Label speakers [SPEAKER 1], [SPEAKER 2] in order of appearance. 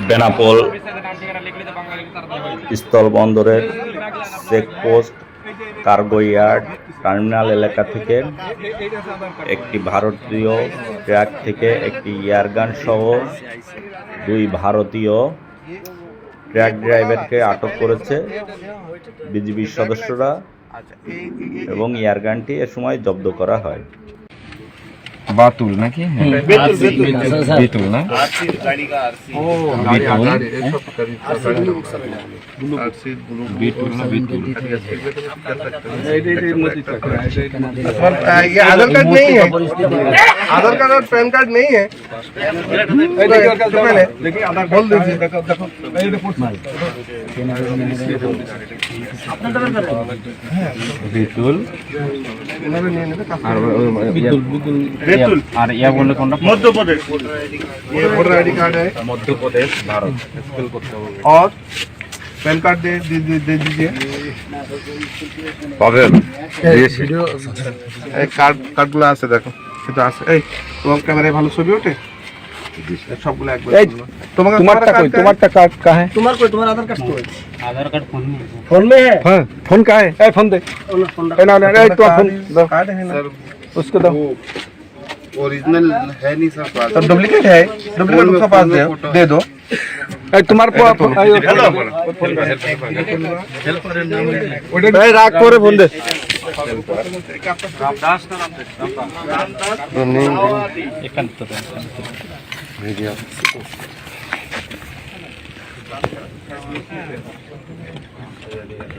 [SPEAKER 1] বেনাপোল স্থলবন্দরের checkpost, cargo yard, terminal এলাকা থেকে একটি ভারতীয় ট্রাক থেকে একটি এয়ারগান সহ 2 ভারতীয় ট্রাক ড্রাইভারকে আটক করেছে বিজিবির সদস্যরা এবং এয়ারগানটি এ সময় জব্দ করা হয়।
[SPEAKER 2] बातुल ना कि बेतुल ना बेतुल ना बेतुल
[SPEAKER 3] ये आधार कार्ड नहीं है, आधार कार्ड और पैन कार्ड नहीं है। बोल दीजिए
[SPEAKER 2] बेतुल
[SPEAKER 3] और
[SPEAKER 2] यह बोले कौन
[SPEAKER 3] मध्य प्रदेश, ये वोटर आईडी कार्ड है
[SPEAKER 2] मध्य प्रदेश भारत
[SPEAKER 3] और पैन कार्ड दे दीजिए। কার্ডগুলো আছে দেখো, এটা আছে। এই তোমার ক্যামেরায় ভালো ছবি ওঠে সবগুলো একবার। তোমারটা কই? তোমারটা কার্ড का है? तुम्हार कोई तुम्हारा आधार कार्ड कौन?
[SPEAKER 2] आधार कार्ड
[SPEAKER 3] फोन में है। हां फोन का है? ए फोन दे। ना ना ए तो फोन दो। कार्ड है ना उसको दो।
[SPEAKER 4] ओरिजिनल है नहीं सर पास,
[SPEAKER 3] तो डुप्लीकेट है, डुप्लीकेट उसका पास दे दो। ए तुम्हारे को हेल्प राख করে ফোন দে।
[SPEAKER 2] रामदास ना रामदास एकांत वीडियो